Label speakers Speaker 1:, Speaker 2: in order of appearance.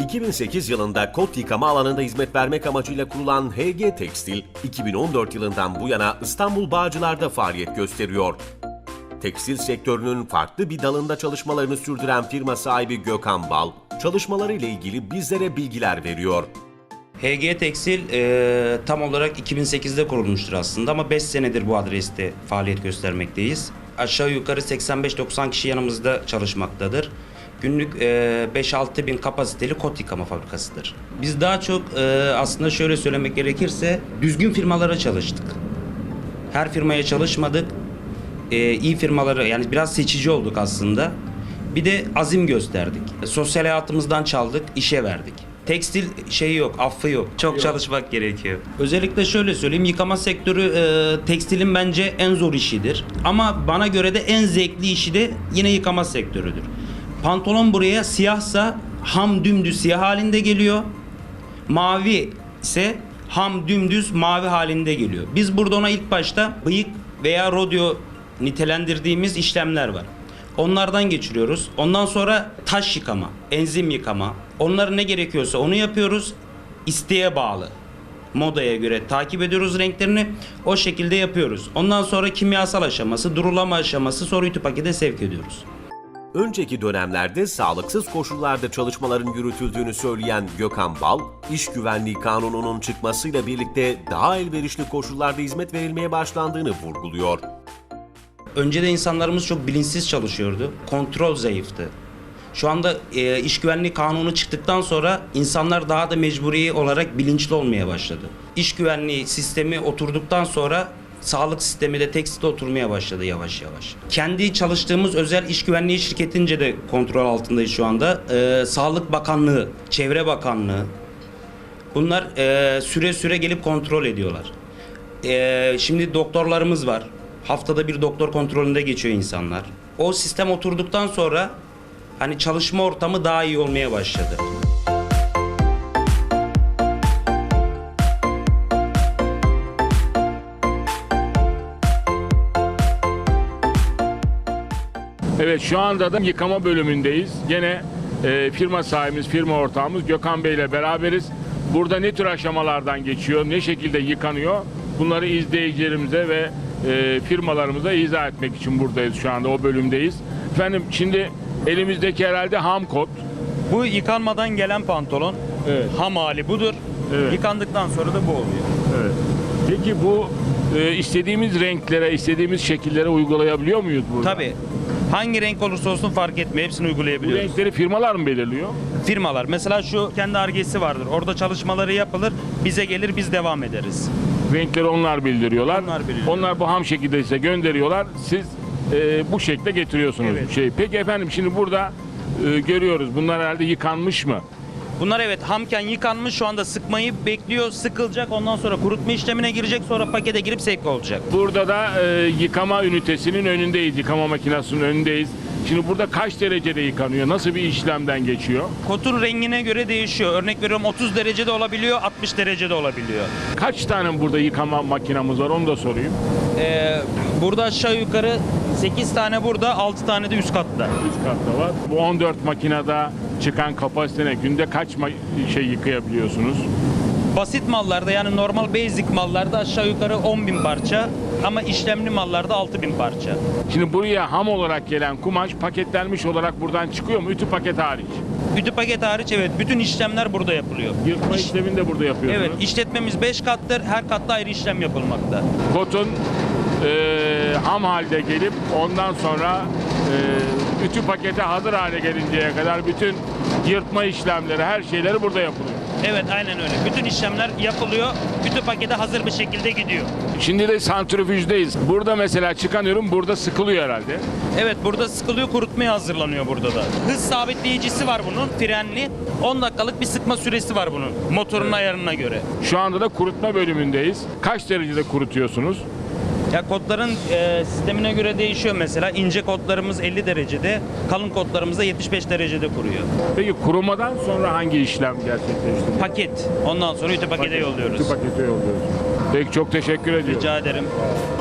Speaker 1: 2008 yılında kot yıkama alanında hizmet vermek amacıyla kurulan HG Tekstil, 2014 yılından bu yana İstanbul Bağcılar'da faaliyet gösteriyor. Tekstil sektörünün farklı bir dalında çalışmalarını sürdüren firma sahibi Gökhan Bal, çalışmalarıyla ilgili bizlere bilgiler veriyor.
Speaker 2: HG Tekstil tam olarak 2008'de kurulmuştur aslında ama 5 senedir bu adreste faaliyet göstermekteyiz. Aşağı yukarı 85-90 kişi yanımızda çalışmaktadır. Günlük 5-6 bin kapasiteli kot yıkama fabrikasıdır. Biz daha çok aslında şöyle söylemek gerekirse düzgün firmalara çalıştık. Her firmaya çalışmadık. İyi firmaları, yani biraz seçici olduk aslında. Bir de azim gösterdik. Sosyal hayatımızdan çaldık, işe verdik. Tekstil şeyi yok, affı yok. Çok çalışmak gerekiyor. Özellikle şöyle söyleyeyim, yıkama sektörü tekstilin bence en zor işidir. Ama bana göre de en zevkli işi de yine yıkama sektörüdür. Pantolon buraya siyahsa ham dümdüz siyah halinde geliyor. Mavi ise ham dümdüz mavi halinde geliyor. Biz burada ona ilk başta bıyık veya rodeo nitelendirdiğimiz işlemler var. Onlardan geçiriyoruz. Ondan sonra taş yıkama, enzim yıkama. Onlara ne gerekiyorsa onu yapıyoruz. İsteğe bağlı. Modaya göre takip ediyoruz renklerini. O şekilde yapıyoruz. Ondan sonra kimyasal aşaması, durulama aşaması, sonra ütü pakete sevk ediyoruz.
Speaker 1: Önceki dönemlerde sağlıksız koşullarda çalışmaların yürütüldüğünü söyleyen Gökhan Bal, İş Güvenliği Kanunu'nun çıkmasıyla birlikte daha elverişli koşullarda hizmet verilmeye başlandığını vurguluyor.
Speaker 2: Önceden insanlarımız çok bilinçsiz çalışıyordu. Kontrol zayıftı. Şu anda İş Güvenliği Kanunu çıktıktan sonra insanlar daha da mecburi olarak bilinçli olmaya başladı. İş güvenliği sistemi oturduktan sonra sağlık sistemi de tekstilde oturmaya başladı yavaş yavaş. Kendi çalıştığımız özel iş güvenliği şirketince de kontrol altındayız şu anda. Sağlık Bakanlığı, Çevre Bakanlığı bunlar süre süre gelip kontrol ediyorlar. Şimdi doktorlarımız var. Haftada bir doktor kontrolünde geçiyor insanlar. O sistem oturduktan sonra hani çalışma ortamı daha iyi olmaya başladı.
Speaker 3: Evet, şu anda da yıkama bölümündeyiz. Gene firma sahibimiz, firma ortağımız Gökhan Bey ile beraberiz. Burada ne tür aşamalardan geçiyor, ne şekilde yıkanıyor? Bunları izleyicilerimize ve firmalarımıza izah etmek için buradayız şu anda, o bölümdeyiz. Efendim, şimdi elimizdeki herhalde ham kot.
Speaker 4: Bu yıkanmadan gelen pantolon.
Speaker 3: Evet.
Speaker 4: Ham hali budur.
Speaker 3: Evet.
Speaker 4: Yıkandıktan sonra da bu oluyor.
Speaker 3: Evet. Peki bu istediğimiz renklere, istediğimiz şekillere uygulayabiliyor muyuz burada?
Speaker 4: Tabii. Hangi renk olursa olsun fark etmiyor. Hepsini
Speaker 3: Bu
Speaker 4: uygulayabiliyoruz.
Speaker 3: renkleri firmalar mı belirliyor?
Speaker 4: Firmalar. Mesela şu kendi Ar-Ge'si vardır. Orada çalışmaları yapılır. Bize gelir, biz devam ederiz.
Speaker 3: Renkleri onlar bildiriyorlar.
Speaker 4: Onlar bildiriyor.
Speaker 3: Onlar bu ham şekilde size gönderiyorlar. Siz bu şekilde getiriyorsunuz.
Speaker 4: Evet.
Speaker 3: Peki efendim, şimdi burada görüyoruz. Bunlar herhalde yıkanmış mı?
Speaker 4: Bunlar evet hamken yıkanmış. Şu anda sıkmayı bekliyor. Sıkılacak. Ondan sonra kurutma işlemine girecek. Sonra pakete girip sevk olacak.
Speaker 3: Burada da yıkama ünitesinin önündeyiz. Yıkama makinesinin önündeyiz. Şimdi burada kaç derecede yıkanıyor? Nasıl bir işlemden geçiyor?
Speaker 4: Kotun rengine göre değişiyor. Örnek veriyorum, 30 derecede olabiliyor, 60 derecede olabiliyor.
Speaker 3: Kaç tane burada yıkama makinamız var, onu da sorayım.
Speaker 4: Burada aşağı yukarı 8 tane burada, 6 tane de üst katta.
Speaker 3: Üst katta var. Bu 14 makinede çıkan kapasitene günde kaç şey yıkayabiliyorsunuz?
Speaker 4: Basit mallarda, yani normal basic mallarda aşağı yukarı 10.000 parça ama işlemli mallarda 6.000 parça.
Speaker 3: Şimdi buraya ham olarak gelen kumaş paketlenmiş olarak buradan çıkıyor mu? Ütü paket hariç.
Speaker 4: Ütü paket hariç evet, bütün işlemler burada yapılıyor.
Speaker 3: Yırtma işlemini de burada yapıyorsunuz.
Speaker 4: Evet, işletmemiz 5 kattır, her katta ayrı işlem yapılmakta.
Speaker 3: Kotun ham halde gelip ondan sonra ütü pakete hazır hale gelinceye kadar bütün yırtma işlemleri, her şeyleri burada yapılıyor.
Speaker 4: Evet, aynen öyle. Bütün işlemler yapılıyor, ütü pakete hazır bir şekilde gidiyor.
Speaker 3: Şimdi de santrifüjdeyiz. Burada mesela çıkan ürün burada sıkılıyor herhalde.
Speaker 4: Evet, burada sıkılıyor, kurutmaya hazırlanıyor burada da. Hız sabitleyicisi var bunun, frenli. 10 dakikalık bir sıkma süresi var bunun, motorun ayarına göre.
Speaker 3: Şu anda da kurutma bölümündeyiz. Kaç derecede kurutuyorsunuz?
Speaker 4: Ya kodların sistemine göre değişiyor mesela. İnce kodlarımız 50 derecede, kalın kodlarımız da 75 derecede kuruyor.
Speaker 3: Peki kurumadan sonra hangi işlem gerçekleştiriyor?
Speaker 4: Paket. Ondan sonra ütü pakete yolluyoruz.
Speaker 3: Ütü pakete yolluyoruz. Peki, çok teşekkür ediyorum.
Speaker 4: Rica ederim.